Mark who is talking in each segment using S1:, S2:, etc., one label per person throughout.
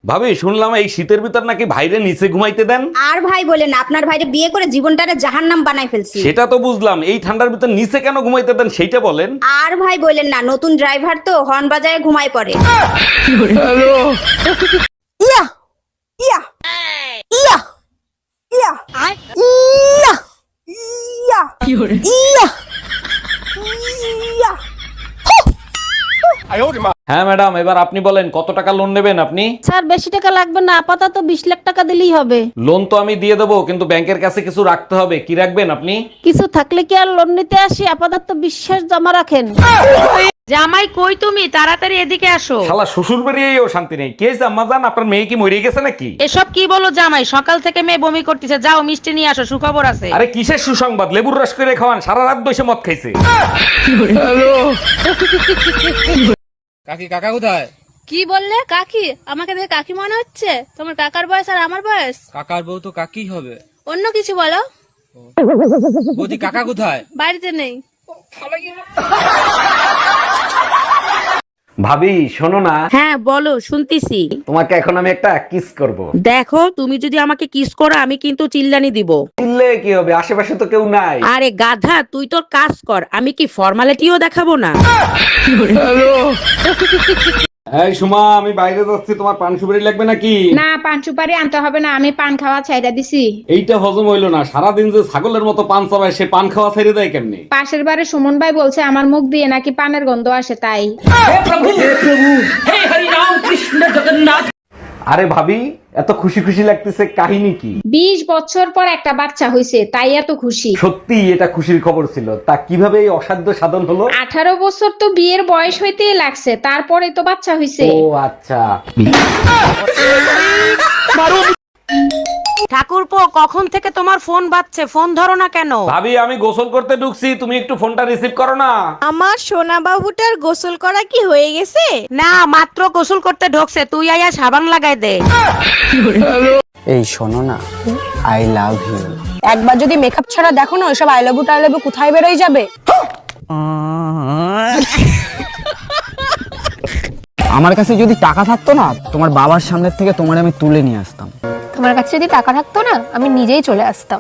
S1: ভাবি শুনলাম এই শীতের ভিতর নাকি ভাইরে নিচে ঘুমাইতে দেন।
S2: আর ভাই বলেন না, আপনার ভাইরে বিয়ে করে জীবনটারে জাহান্নাম বানাই ফেলছি।
S1: সেটা তো বুঝলাম, এই ঠান্ডার ভিতর নিচে কেন ঘুমাইতে দেন সেইটা বলেন।
S2: আর ভাই বলেন না, নতুন ড্রাইভার তো হর্ন বাজায় ঘুমায় পড়ে।
S3: ইয়া ইয়া ইয়া ইয়া ইয়া ইয়া ইয়া ইয়া।
S1: হ্যাঁ ম্যাডাম, এবার আপনি বলেন কত টাকা লোন নেবেন আপনি?
S4: স্যার বেশি টাকা লাগবে না, আপাতত 20 লাখ টাকা দিলেই হবে।
S1: লোন তো আমি দিয়ে দেবো, কিন্তু ব্যাংকের কাছে কিছু রাখতে হবে। কি রাখবেন আপনি?
S4: কিছু থাকলে কি আর লোন নিতে আসি? আপাতত বিশ্বাস জমা রাখেন।
S5: জামাই কই তুমি? তাড়াতাড়ি এদিকে আসো।
S1: শালা শ্বশুর বাড়িয়েও শান্তি নেই। কে আম্মা জান, আপনার মেয়ে কি মরে গেছে নাকি?
S5: এসব কি বলো জামাই? সকাল থেকে মেয়ে বমি করতেছে, যাও মিষ্টি নিয়ে আসো, সুখবর আছে।
S1: আরে কিসের সুসংবাদ? লেবুর রস করে খাওয়ান, সারা রাত বসে মদ খাইছে।
S6: কাকি কাকা কোথায়?
S7: কি বললে? কাকি? আমাকে দেখে কাকি মনে হচ্ছে? তোমার কাকার বয়স আর আমার বয়স?
S6: কাকার বউ তো কাকি হবে।
S7: অন্য কিছু বলো।
S6: বৌদি কাকা কোথায়?
S7: বাড়িতে নেই।
S1: ভাবি শোনো না,
S5: হ্যাঁ বলো, শুনতিছি।
S1: তোমাকে এখন আমি একটা কিস করব।
S5: দেখো, তুমি যদি আমাকে কিস করো আমি কিন্তু চিল্লানি দিব।
S1: চিল্লে কি হবে, আশেপাশে তো কেউ নাই।
S5: আরে গাধা, তুই তোর কাজ কর, আমি কি ফর্মালিটিও দেখাবো না?
S1: এই সুমা, আমি বাইরে যাচ্ছি, তোমার পান সুপারি লাগবে নাকি?
S8: না, পান সুপারি আনতে হবে না, আমি পান খাওয়া ছাইড়া দিছি।
S1: এইটা হজম হইলো না, সারাদিন যে ছাগলের মতো পান চাবায়, সে পান খাওয়া ছেড়ে দেয় কেমনি?
S8: পাশের বাড়ি সুমন ভাই বলছে আমার মুখ দিয়ে নাকি পানের গন্ধ আসে, তাই।
S1: আরে ভাবি, এত খুশি খুশি লাগতেছে, কাহিনী কি?
S8: 20 বছর পর একটা বাচ্চা হইছে, তাই এত খুশি।
S1: সত্যি এটা খুশির খবর ছিল। তা কিভাবে এই অসাধ্য সাধন হলো?
S8: 18 বছর তো বিয়ের বয়স হইতেই লাগছে, তারপরে তো বাচ্চা হইছে।
S1: ও আচ্ছা।
S5: ঠাকুরপো, কখন থেকে তোমার ফোন বাজছে, ফোন ধরো না কেন?
S1: ভাবি আমি গোসল করতে ঢুকছি, তুমি একটু ফোনটা রিসিভ করো না।
S3: আমার সোনা বাবুটার গোসল করা কি হয়ে গেছে?
S5: না, মাত্র গোসল করতে ঢোকছে, তুই আয়া সাবান লাগাই দে।
S9: এই শোনো না, আই লাভ ইউ।
S3: একবার যদি মেকআপ ছাড়া দেখো না, ওইসব আই লাভ ইউ টাই লাভ ইউ কোথায় বেরোয় যাবে।
S9: আমার কাছে যদি টাকা থাকতো না, তোমার বাবার সামনের থেকে তোমার আমি তুলে নিয়ে আসতাম।
S7: তোমার কাছে যদি টাকা থাকতো না, আমি নিজেই চলে আসতাম।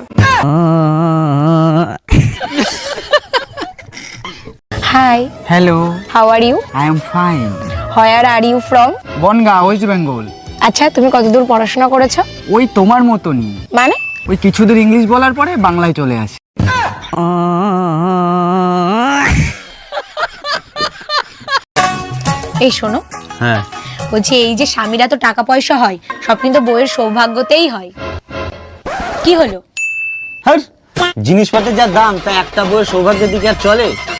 S7: Hi,
S9: hello,
S7: how are you?
S9: I am fine.
S7: Where are you from?
S9: Bongaon, West Bengal.
S7: আচ্ছা, তুমি কতদূর পড়াশোনা করেছো?
S9: ওই তোমার মতনই,
S7: মানে?
S9: ওই কিছুদূর ইংলিশ বলার পরে বাংলায় চলে আসে।
S7: এই শোনো,
S9: হ্যাঁ,
S7: বলছি এই যে স্বামীরা তো টাকা পয়সা হয়, সব কিন্তু বইয়ের সৌভাগ্যতেই হয়। কি হলো?
S9: জিনিসপত্রের যা দাম, তা একটা বইয়ের সৌভাগ্যের দিকে আর চলে?